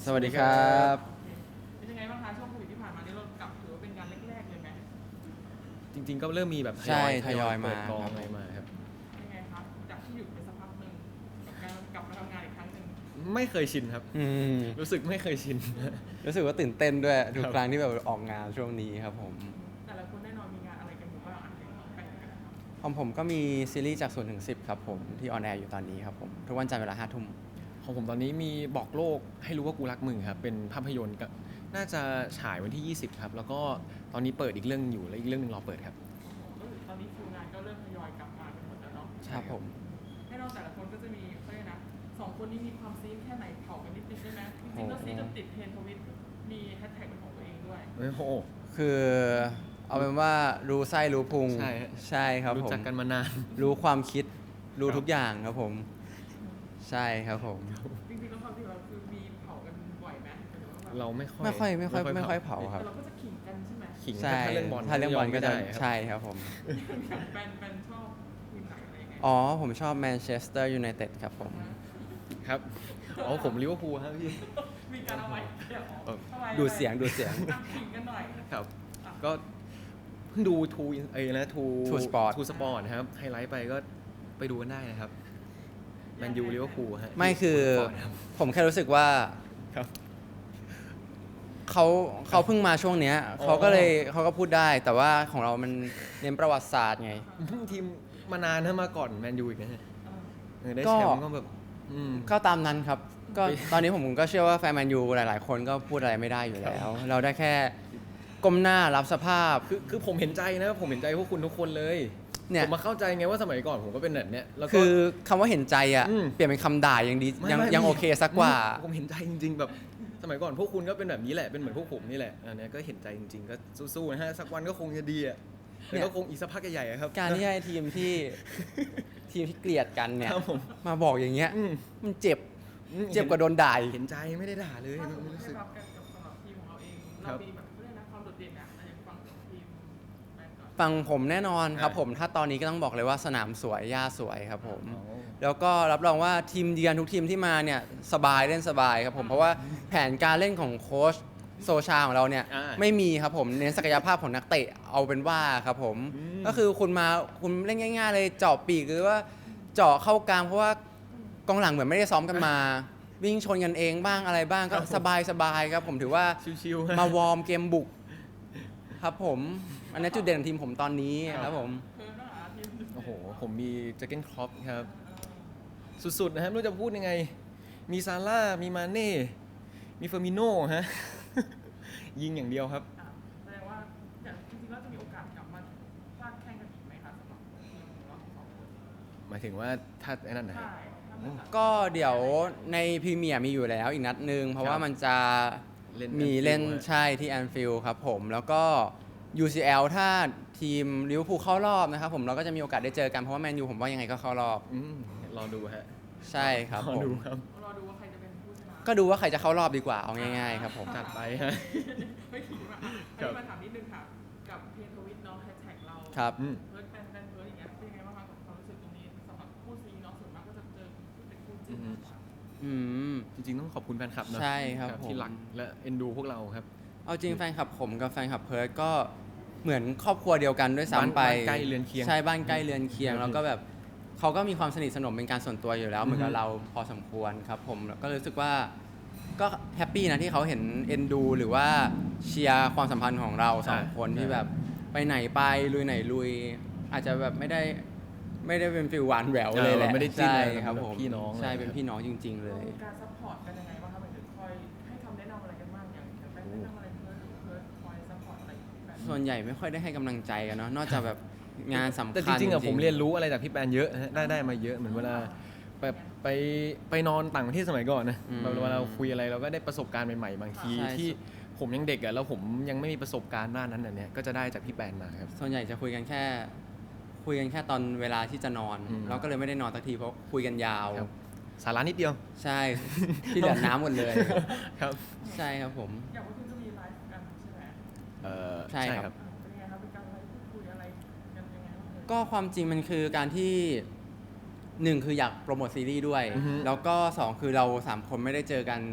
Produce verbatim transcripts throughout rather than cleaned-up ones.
สวัสดีครับเป็นยังไงบ้างคะช่วงโควิดที่ผ่านมานี่เรากลับถือว่าเป็นงานแรกๆเลยไหมจริงๆก็เริ่มมีแบบใช่ทยอยทยอยมาเปิดกองครับอะไรมาครับยังไงครับจากที่หยุดไปสักพักหนึ่งกับการกลับมาทำงานอีกครั้งหนึ่งไม่เคยชินครับอืมรู้สึกไม่เคยชินรู้สึกว่าตื่นเต้นด้วยทุกครับครั้งที่แบบออกงานช่วงนี้ครับผมแต่ละคนแน่นอนมีงานอะไรกันอยู่บ้างอันไหนแบ่งกันนะครับของผมก็มีซีรีส์จากศูนย์ถึงสิบครับผมที่ออนแอร์อยู่ตอนนี้ครับผมทุกวันจันทร์เวลาห้าทุ่มของผมตอนนี้มีบอกโลกให้รู้ว่ากูรักมึงครับเป็นภาพยนตร์ก็น่าจะฉายวันที่ยี่สิบครับแล้วก็ตอนนี้เปิดอีกเรื่องอยู่และอีกเรื่องหนึงรอเปิดครับก็คือตอนนี้คิวงานก็เริ่มทยอยกลับมากันหมดแล้วเนาะครับผมให้เราแต่ละคนก็จะมีเขาเรียกนะสองคนนี้มีความซีนแค่ไหนเผากันนิดนึงได้ไหมจริงๆแล้วซีนจนติดเทรนด์ทวิตมีแฮชแท็กเป็นของตัวเองด้วยโอ้โหคือเอาเป็นว่ารู้ไส้รู้พุงใช่ฮะใช่ครับรู้ผมจักกันมานานรู้ความคิดรู้ครับทุกอย่างครับผม ใช่ครับผมจริงๆแล้วความที่เราคือมีเผากันบ่อยไหมหรือว่าแบบเราไม่ค่อยไม่ค่อยไม่ค่อยไม่ค่อยเผาครับแต่เราก็จะขิงกันใช่ไหมขิงใช่ถ้าเรื่องบอลถ้าเรื่องบอลก็จะไม่ได้ครับใช่ครับผมอย่างแฟนแฟนชอบทีมไหนอะไรยังไงอ๋อผมชอบแมนเชสเตอร์ยูไนเต็ดครับผมครับอ๋อผมลิเวอร์พูลครับพี่มีการเอาไว้เดี๋ยวเออทำไมดูเสียงดูเสียงอ่ะขิงกันหน่อยครับก็เพิ่งดูทูเอ้ยนะทู True Sport ทูสปอร์ตนะครับไฮไลท์ไปก็ไปดูกันได้นะครับแมนยูลิเวอร์พูลฮะไม่คือทูสปร์ตรับผมแค่รู้สึกว่าครับเขาเขาเพิ่งมาช่วงเนี้ยอ๋อเขาก็เลยเขาก็พูดได้ แต่ว่าของเรามันเน้นประวัติศาสตร์ไงทีมมานานนะมาก่อนแมนยูอีกนะฮะเออเออได้ก็แชมป์ก็แบบอืมก็ตามนั้นครับ ก็ไปตอนนี้ผมก็เชื่อว่าแฟนแมนยูหลาย ๆ คนก็พูดอะไรไม่ได้อยู่แล้ว เราได้แค่ก้มหน้ารับสภาพคือคือผมเห็นใจนะผมเห็นใจพวกคุณทุกคนเลยเนี่ยผมมาเข้าใจไงว่าสมัยก่อนผมก็เป็นแบบเนี้ยแล้วก็คือคำว่าเห็นใจอ่ะอืมเปลี่ยนเป็นคำด่ายังดีไม่ยังไม่ยังโอเคสักกว่าอืมผมเห็นใจจริง ๆ แบบสมัยก่อนพวกคุณก็เป็นแบบนี้แหละเป็นเหมือนพวกผมนี่แหละอันเนี้ยก็เห็นใจจริง ๆ ก็สู้ๆนะฮะสักวันก็คงจะดีอ่ะเนี่แต่ยก็คงอีกสักพักใหญ่ๆอะครับการที่ให้ทีมที่ ทีมที่เกลียดกันเนี่ยครับผมมาบอกอย่างเงี้ยอืมมันเจ็บอืมเจ็บกว่าโดนด่าอีกเห็นใจไม่ได้ด่าเลยถ้าสไม่มมติรู้ได้สึกรับกันกับสำหรับทีมของเราเองครัเราบมีแบบเรื่องนะความโดดเด่นอะอย่างฟังของทีมแฟนก่อนฟังผมแน่นอนครับอ่าผมถ้าตอนนี้ก็ต้องบอกเลยว่าสนามสวยหญ้าสวยครับผมอ๋อแล้วก็รับรองว่าทีมเยือนทุกทีมที่มาเนี่ยสบายเล่นสบายครับผมเพราะว่าแผนการเล่นของโค้ชโซชาของเราเนี่ยอ่าไม่มีครับผมเน้นศักยภาพของนักเตะเอาเป็นว่าครับผมอืมก็คือคุณมาคุณเล่นง่าย ๆ เลยเจาะปีกหรือว่าเจาะเข้ากลางเพราะว่ากองหลังเหมือนไม่ได้ซ้อมกันมา วิ่งชนกันเองบ้างอะไรบ้างก็สบายสบายๆครับผมถือว่าชิวๆมาวอร์มเกมบุกครับผมอันนี้จุดเด่นของทีมผมตอนนี้ครับผมเพิ่มนะทีมโอ้โห ผมมีแจ็คเก็ตครอปครับ สุดๆนะครับไม่รู้จะพูดยังไง มีซาร่า มีมาเน่ มีเฟอร์มิโน่ฮะ ยิงอย่างเดียวครับอ่ะแสดงว่าอย่างจริงๆแล้วจะมีโอกาสกลับมาพลาดแข่งกันอีกไหมคะสำหรับทีมของเราทั้งสองคนหมายถึงว่าถ้าไอ้นั่นนะฮะใช่ถ้าเหมือนกันก็เดี๋ยวในพรีเมียร์มีอยู่แล้วอีกนัดหนึ่งเพราะว่ามันจะเล่นมี Anfield เล่นฮะใช่ที่แอนฟิลด์ครับผม แล้วก็ ยู ซี แอล ถ้าทีมลิเวอร์พูลเข้ารอบนะครับผมเราก็จะมีโอกาสได้เจอกันเพราะว่าแมนยูผมว่ายังไงก็เข้ารอบอืมรอดูฮะใช่ครับรอผมดูครับรอดูว่าใครจะเป็นผู้ชนะก็ดูว่าใครจะเข้ารอบดีกว่าเอาง่ายๆครับผมจัดไปฮะไม่ขิงอ่ะครัอันบนี้มาถามนิดนึงค่ะ กับเพจทวิตเนาะแฮชแท็กเราครับอืมเพิร์ดแฟนแฟนเพิร์ดอย่างเงี้ยเป็นยังไงบ้างคะกับความรู้สึกตรงนี้สำหรับคู่ซีเนาะส่วนมากก็จะเจอเป็นคู่จิ้นมากกว่าอืมจริงๆ ต้องขอบคุณแฟนคลับเนอะใช่ครับผมที่รักและเอ็นดูพวกเราครับเอาจริงแฟนคลับผมกับแฟนคลับเพิร์ดก็เหมือนครอบครัวเดียวกันด้วยซ้ำไปบ้านใกล้เรือนเคียงใช่บ้านใกล้เรือนเคียงอืมแล้วก็แบบเขาก็มีความสนิทสนมเป็นการส่วนตัวอยู่แล้วเหมือนกัอืบอฮึเราพอสมควรครับผมแล้วก็รู้สึกว่าก็แฮปปี้นะที่เขาเห็นเอ็นดูหรือว่าเชียร์ความสัมพันธ์ของเราสองคนที่แบบไปไหนไปลุยไหนลุย อาจจะแบบไม่ได้ไม่ได้เป็นฟิลหวานแหววเลยแหละเออไม่ได้จิ้นใช่อะไรครับแบบผมพี่น้องใช่อะไรเป็นพี่น้องจริง ๆ เลยมีการซัพพอร์ตกันยังไงบ้างคะหมายถึงคอยให้คำแนะนำอะไรกันบ้างอย่างอย่างแฟนแนะนำอะไรเพิร์ดหรือเพิร์ดคอยซัพพอร์ตอะไรแบบส่วนใหญ่ไม่ค่อยได้ให้กำลังใจกันเนาะนอกจากแบบงานสำคัญแต่จริงๆอะผมเรียนรู้อะไรจากพี่แปนเยอะฮะได้ได้มาเยอะเหมือนเวลาแบบไปไปนอนต่างประเทศสมัยก่อนนะอืมแบบเวลาเราคุยอะไรเราก็ได้ประสบการณ์ใหม่ๆบางทีใช่ที่ผมยังเด็กอะแล้วผมยังไม่มีประสบการณ์ด้านนั้นอันเนี้ยก็จะได้จากพี่แปนมาครับส่วนใหญ่จะคุยกันแค่ คุยกันแค่ตอนเวลาที่จะนอนอืมเราก็เลยไม่ได้นอนสักทีเพราะคุยกันยาวครับสาระนิดเดียวใช่ ที่เหลือน้ำหมดเลยครับใช่ครับผมอย่างพวกคุณก็มีไลฟ์กันใช่ไหมเอ่อใช่ครับอ่าเป็นยังไงครับเป็นการไลฟ์พูดคุยอะไรกันยังไงบ้างเอ่ยก็ความจริงมันคือการที่หนึ่งคืออยากโปรโมทซีรีส์ด้วยอือฮึแล้วก็สองคือเราสามคนไม่ได้เจอกันเ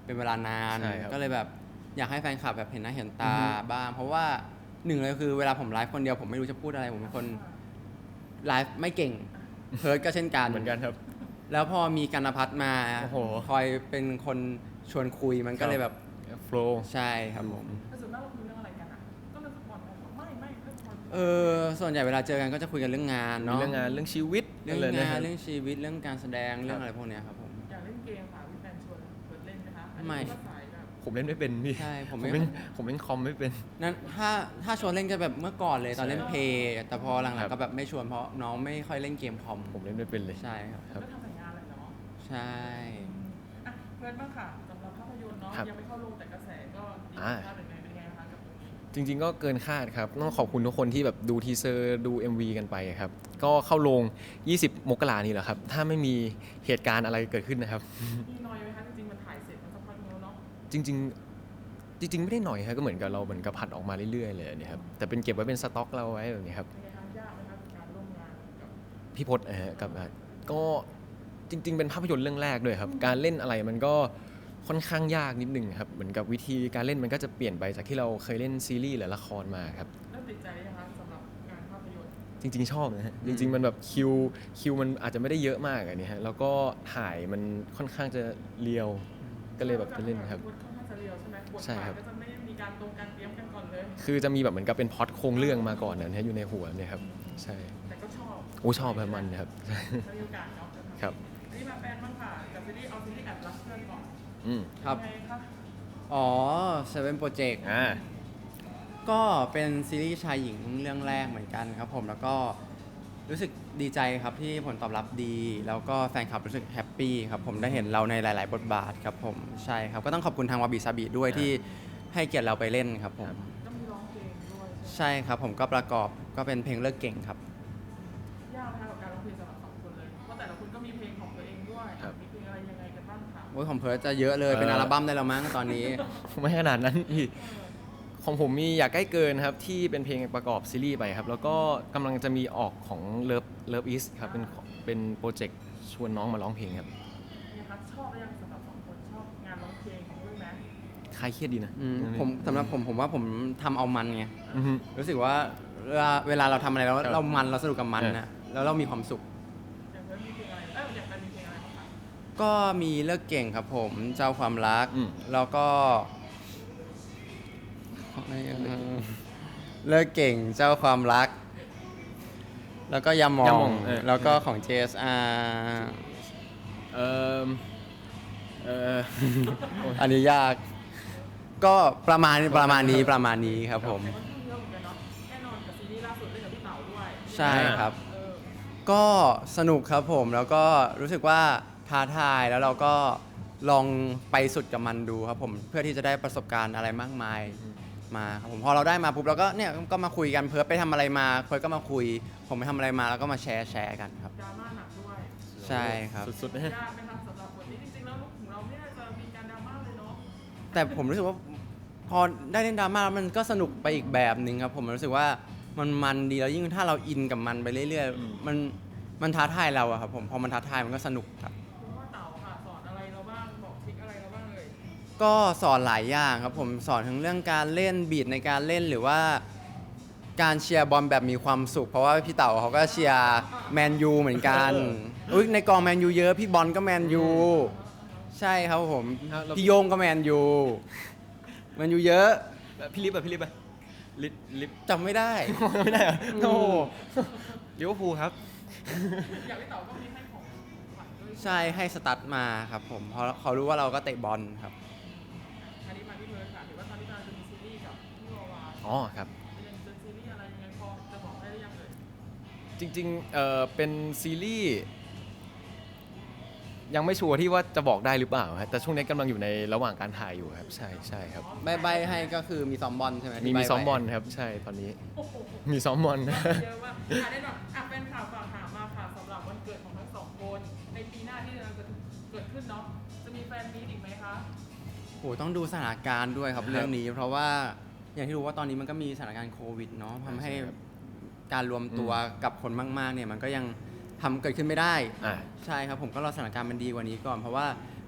เป็นเวลานานใช่ครับก็เลยแบบอยากให้แฟนคลับแบบเห็นหน้าเห็นตาอือฮึบ้าง เพราะว่าหนึ่งเลยคือเวลาผมไลฟ์คนเดียวผมไม่รู้จะพูดอะไร ผมเป็นคนไลฟ์ไม่เก่ง เพิร์ดก็เช่นกันเหมือนกันครับแล้วพอมีกันพัฒน์มาโอ้โหคอยเป็นคนชวนคุยมันก็เลยแบบโฟล์ใช่ครับผมแต่ส่วนมากเราคุยเรื่องอะไรกันอ่ะก็เรื่องฟุตบอลไหมไม่ไม่เรื่องฟุตบอลเออส่วนใหญ่เวลาเจอกันก็จะคุยกันเรื่องงานมีเนาะเรื่องงานเรื่องชีวิตเรื่องะไนะงาคน บเรื่องชีวิตเรื่องการแสดงเรื่องอะไรพวกเนี้ยครับผมอยากเล่นเกมค่ะพี่แฟนชวนเปิดเล่นไหมคะอันนี้ไม่ก็สายแบบผมเล่นไม่เป็นพี่ใช่ผมผไม่มเล่นผมเล่นคอมไม่เป็นนั้นถ้าถ้าชวนเล่นก็แบบเมื่อก่อนเลยตอนเล่นใช่เพย์แต่พอหลัคงรับๆก็แบบไม่ชวนเพราะน้องไม่ค่อยเล่นเกมคอมผมเล่นไม่เป็นเลยใช่ครับครับก็ทำแต่งานเลยเนาะใช่อ่ะเพื่อนบ้างค่ะสำหรับภาพยนตร์เนาะครับยังไม่เข้าโรงแต่กระแสก็ดีอ่าภาพเป็นไงเป็นไงคะกับตรงนี้จริงๆก็เกินคาดครับ ต้องขอบคุณทุกคนที่แบบดูทีเซอร์ดู เอ็ม วี กันไปครับ ก็เข้าโรง ยี่สิบ มกรานี่แหละครับ ถ้าไม่มีเหตุการณ์อะไรเกิดขึ้นนะครับมีน้อยไหมคะจริงๆมันถ่ายเสร็จมันสักพักนึงแล้วเนาะจริงๆ จริง ๆ ไม่ได้หน่อยครับก็เหมือนกับเราเหมือนกับผัดออกมาเรื่อยๆเลยเนี่ยครับแต่เป็นเก็บไว้เป็นสต็อกเราไว้แบบนี้ครับเป็นไงคะยากไหมคะกับการร่วมงานกับพี่พศนะฮะกับก็จริง ๆ เป็นภาพยนตร์เรื่องแรกด้วยครับ การเล่นอะไรมันก็ค่อนข้างยากนิดนึงครับเหมือนกับวิธีการเล่นมันก็จะเปลี่ยนไปจากที่เราเคยเล่นซีรีส์หรือละครมาครับเริ่มติดใจหรือยังคะสำหรับงานภาพยนตร์จริง ๆ ชอบนะฮะจริง ๆ มันแบบคิวคิวมันอาจจะไม่ได้เยอะมากอันนี้ฮะแล้วก็ถ่ายมันค่อนข้างจะเรียวก็เลยแบบไปเล่นครับค่อนข้างจะเรียวใช่ไหมบทใช่บาทครับก็จะไม่ได้มีการตรงการเตรียมกันก่อนเลยคือจะมีแบบเหมือนกับเป็นพล็อตโครงเรื่องมาก่อนนะฮะอยู่ในหัวเนี่ยครับใช่แต่ก็ชอบโอ้ชอบแบบมันครับถ้ามีโอกาสเนาะจะทำครับอันนี้มาแฟนบ้างค่ะกับซีรีส์เอาซีรีส์แอบรักเพื่อนก่อนอืมครับยังไงคะอ๋อ Seven Project อ่าก็เป็นซีรีส์ชายหญิงเรื่องแรกเหมือนกันครับผมแล้วก็รู้สึกดีใจครับที่ผลตอบรับดี แล้วก็แฟนคลับรู้สึกแฮปปี้ครับผมได้เห็นเราในหลาย ๆ บทบาทครับผมใช่ครับก็ต้องขอบคุณทางวาบิซาบิด้วยครับที่ให้เกียรติเราไปเล่นครับผมก็มีร้องเพลงด้วยใช่ไหมใช่ครับผมก็ประกอบก็เป็นเพลงเลิกเก่งครับยากไหมคะกับการร้องเพลงสำหรับสองคนเลยเพราะแต่ละคนก็มีเพลงของตัวเองด้วยครับมีเพลงอะไรยังไงกันบ้างคะโอ้ยของเพิร์ทจะเยอะเลยเป็นเอ่ออัอัลบั้มได้แล้วมั้งตอนนี้ไม่ขนาดนั้นพี่ของผมมีอยากใกล้เกินครับที่เป็นเพลงประกอบซีรีส์ไปครับ แล้วก็กำลังจะมีออกของ Love Love Is ครับเป็นของเป็นโปรเจกต์ชวนน้องมาร้องเพลงครับเนี่ยคะชอบหรือยังสำหรับสองคนชอบงานร้องเพลงของด้วยไหมคลายเครียดดีนะอืมผมสำหรับผมผมว่าผมทำเอามันไงอือฮึรู้สึกว่าเวลาเวลาเราทำอะไรแล้วครับเรามันเราสนุกกับมันเออนะแล้วเรามีความสุขอย่างเพื่อนมีเพลงอะไรเอ้ยอย่างแฟนมีเพลงอะไรบ้างคะก็มีเลิกเก่งครับผมเจ้าความรักอืมแล้วก็เลิกเก่งเจ้าความรัก แล้วก็ยามอยาง มองเออแล้วก็ของ เจ เอส อาร์เออเอออันนี้ยาก ก็ประมาณประมาณนี้ประมาณนี้ครับผมแต่ก็ทุ่มเยอะเหมือนกันเนาะแน่นอนกับซีรีส์ล่าสุดเล่นกับพี่เต๋าด้วยใช่ครับเออก็สนุกครับผมแล้วก็รู้สึกว่าท้าทายแล้วเราก็ลองไปสุดกับมันดูครับผมเพื่อที่จะได้ประสบการณ์อะไรมากมายมาครับผมพอเราได้มาปุ๊บเราก็เนี่ยก็มาคุยกันเพิร์ทไปทำอะไรมาเพิร์ทก็มาคุย ผมไปทำอะไรมาแล้วก็มาแชร์แชร์กันครับดราม่าหนักด้วยใช่ครับสุดๆนะฮะยากไหมคะสำหรับบทนี้จริงๆแล้วของเราไม่น่าจะมีการดราม่าเลยเนาะแต่ผมรู้สึกว่าพอได้เล่นดราม่าแล้วมันก็สนุกไปอีกแบบหนึ่งครับผมรู้สึกว่ามันมันดีแล้วยิ่งถ้าเราอินกับมันไปเรื่อยอืมๆมันมันท้าทายเราอะครับผมพอมันท้าทายมันก็สนุกครับคุณว่าเต๋าค่ะสอนอะไรเราบ้างบอกทริคอะไรเราบ้างเลยก็สอนหลายอย่างครับผมสอนทั้งเรื่องการเล่นบีทในการเล่นหรือว่าการเชียร์บอลแบบมีความสุข เพราะว่าพี่เต๋าเขาก็เชียร์แมนยูเหมือนกันอุ๊ยในกองแมนยูเยอะพี่บอลก็แมนยูใช่ครับผมครับแล้วพี่โยงก็แมนยูแมนยูเยอะพี่ลิฟอะพี่ลิฟอะลิฟลิฟจำไม่ได้ไม่ได้เหรออืมโอ้โหลิเวอร์พูลครับอยากให้เต๋าก็มีให้ของขวัญด้วยใช่ให้สตั๊ดมาครับผมเพราะเขารู้ว่าเราก็เตะบอลครับอันนี้มาที่เพิร์ดค่ะเห็นว่าตอนนี้กำลังจะมีซีรีส์กับพี่วาวาอ๋อครับเป็นเป็นซีรีส์อะไรยังไงพอจะบอกได้หรือยังเอ่ยจริงๆเอ่อเป็นซีรีส์ยังไม่ชัวร์ที่ว่าจะบอกได้หรือเปล่าฮะแต่ช่วงนี้กำลังอยู่ในระหว่างการถ่ายอยู่ครับ ใช่ใช่ครับใบใบให้ก็คือมีซ้อมบอลใช่ไหมมีที่ใบ้มีซ้อมไว้บอลครับ ใช่ตอนนี้โอ้โหมีซ้อมบอลเยอะมากอ่ะแน่นอนอ่ะเป็นข่าวฝากถามมาค่ะสำหรับวันเกิดของทั้งสองคน ในปีหน้าที่กำลังจะเกิดขึ้นเนาะ จะมีแฟนมีตอีกไหมคะโหต้องดูสถานการณ์ด้วยครับครับเรื่องนี้ เพราะว่าอย่างที่รู้ว่าตอนนี้มันก็มีสถานการณ์โควิดเนาะทำให้ใช่ครับการรวมตัวกับคนมากๆเนี่ยมันก็ยังทำเกิดขึ้นไม่ได้อ่าใช่ครับผมก็รอสถานการณ์มันดีกว่านี้ก่อน เพราะว่า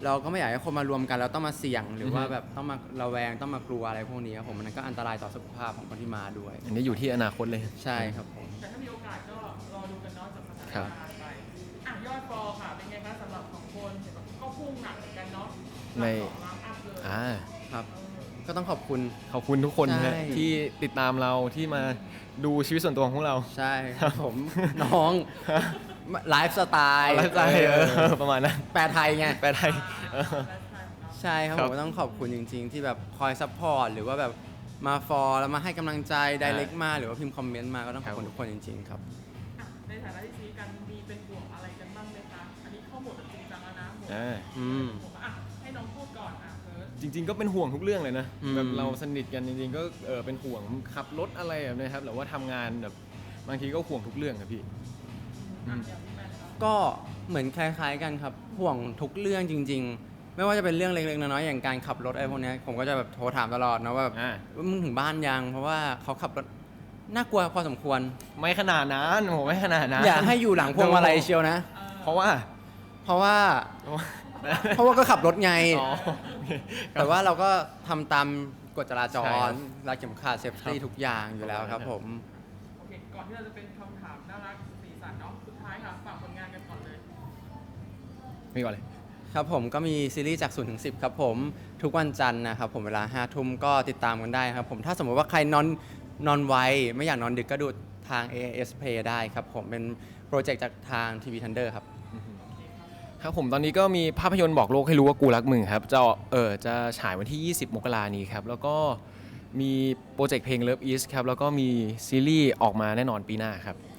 เราก็ไม่อยากให้คนมารวมกันแล้วต้องมาเสี่ยง หรือว่าแบบต้องมาระแวงต้องมากลัวอะไรพวกนี้ครับผมมันก็อันตรายต่อสุขภาพของคนที่มาด้วยอันนี้อยู่ที่อนาคตเลยใช่ครับผมแต่ถ้ามีโอกาสก็รอดูกันเนาะจากสถานครับการณ์ไปอ่ะยอดฟอลค่ะเป็นไงคะสำหรับสองคนเห็นแบบก็พุ่งหนักเหมือนกันเนาะในสองล้านอัพเลยอ่าครับ ก็ต้องขอบคุณขอบคุณทุกคนใช่นะที่ติดตามเราที่มาดูชีวิตส่วนตัวของพวกเราใช่ครับผม น้องไลฟ์สไตล์ไลฟ์สไตล์เออประมาณนั้นแปลไทยไงแปลไทยเออไลฟ์สไตล์ของเราใช่ครับครัผบมก็ต้องขอบคุณจริง ๆ ที่แบบคอยซัพพอร์ตหรือว่าแบบมาฟอลแล้วมาให้กำลังใจ ไดเรกมาหรือว่าพิมพ์คอมเมนต์มาก็ต้องขอบคุณครับทุกคนจริง ๆ ครับอ่ะในฐานะที่ซีกันมีเป็นห่วงอะไรกันบ้างไหมคะอันนี้เข้าหมดแบบจริงจังแล้วนะหมดอ่าอืมผมอ่ะให้น้องพูดก่อนอ่ะเพิร์ดจริง ๆ ก็เป็นห่วงทุกเรื่องเลยนะอืมแบบเราสนิทกันจริงๆก็เออเป็นห่วงขับรถอะไรแบบนี้ครับหรือว่าทำงานแบบบางทีก็ห่วงทุกเรื่องครับพี่อ่ะอย่างที่แมนครับก็เหมือนคล้ายๆกันครับห่วงทุกเรื่องจริง ๆ ไม่ว่าจะเป็นเรื่องเล็กๆน้อยๆอย่างการขับรถอะไรพวกเนี้ยผมก็จะแบบโทรถามตลอดนะว่าแบบอ่ามึงถึงบ้านยังเพราะว่าเขาขับรถน่ากลัวพอสมควรไม่ขนาดนั้นโหไม่ขนาดนั้นอย่าให้อยู่หลังพวงมาลัยเชียวนะเพราะว่าเพราะว่าเพราะว่าเพราะว่าก็ขับรถไงอ๋อโอเคครับแต่ว่าเราก็ทำตามกฎจราจใช่ครัรบรัดเข็มขัดเซฟตี้ครับทุกอย่างอยู่แล้วครับผมโอเคก่อนที่เราจะเป็นคำถามน่ารักสีสันเนาะสุดท้ายค่ะฝากผลงานกันก่อนเลยมีก่อนเลยครับผมก็มีซีรีส์จากศูนย์ถึงสิบครับผมทุกวันจันทร์นะครับผมเวลาห้าทุ่มก็ติดตามกันได้ครับผมถ้าสมมติว่าใครนอนนอนไวไม่อยากนอนดึกก็ดูทาง เอ เอส Play ได้ครับผมเป็นโปรเจกต์จากทาง ที วี Thunder ครับครับผมตอนนี้ก็มีภาพยนตร์บอกโลกให้รู้ว่ากูรักมึงครับจะเออจะฉายวันที่ ยี่สิบ มกรานี้ครับแล้วก็มีโปรเจกต์เพลง Love Is ครับแล้วก็มีซีรีส์ออกมาแน่นอนปีหน้าครับ